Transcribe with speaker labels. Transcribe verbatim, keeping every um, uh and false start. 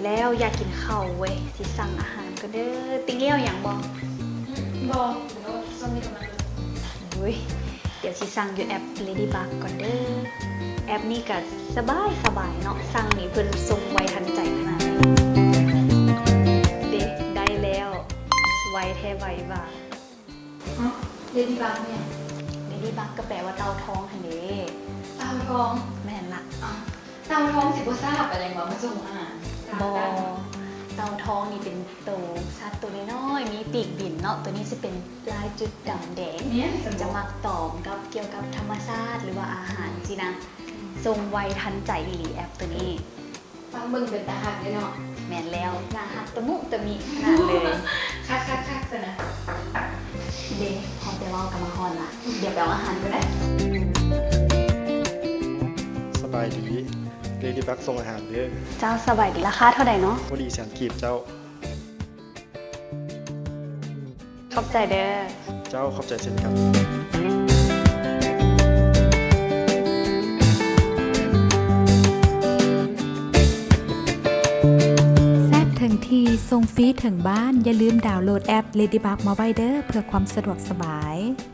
Speaker 1: แล้วอยากกินข้าวเว้ยสิสั่งอาหารก็เด้อติ๊งเลี้ยวอย่างบ่
Speaker 2: บอกเดี๋ยวส้มนี่กำลัง
Speaker 1: เฮ้ยเดี๋ยวสิสั่งอยู่แอป Ladybug ก่อนเด้อแอปนี้ก็สบายสบายเนาะสั่งนี่เพิ่นส่งไวทันใจขนาดนี้เด้ได้แล้วไวแท้ไวบ่า
Speaker 2: ฮะเลดี้บักเนี่ย
Speaker 1: Ladybug ก็แปลว่าเต่าทองหั่นเด้
Speaker 2: เตาทอง
Speaker 1: แม่นละ
Speaker 2: อ่ะเตาทองสิบ่ทราบอะไรวะมาส่งอาหาร
Speaker 1: บอเต่าทองนี่เป็นตัวสัตว์ตัวน้อยๆมีปีกบินเนาะตัวนี้จะเป็นลายจุดดำแดง
Speaker 2: เนี่ย
Speaker 1: จะมักตอบกับเกี่ยวกับธรรมชาติหรือว่าอาหารสินะทรงไวทันใจอีหลีแอปตัวนี้
Speaker 2: ฟังเบิ่งเป็นตาหักเลยเนาะ
Speaker 1: แม่นแล้วหนาหักตะมุตะมิขนาดเลย
Speaker 2: คักคักคักซะนะ
Speaker 1: เดพอไปเว่ากับมาฮอนละเดี๋ยวไปเอาอาหารกันนะ
Speaker 3: สบายดีเลดี้บักส่งอาหารเด้อ
Speaker 1: เจ้าสบายดีราคาเท่าไหร่เนาะ
Speaker 3: พอดีแสนกีบเจ้า
Speaker 1: ขอบใจเด้อ
Speaker 3: เจ้าขอบใจเช่นกัน
Speaker 4: แซ่บถึงทีส่งฟรีถึงบ้าน อย่าลืมดาวน์โหลดแอป Ladybug มาไว้เด้อเพื่อความสะดวกสบาย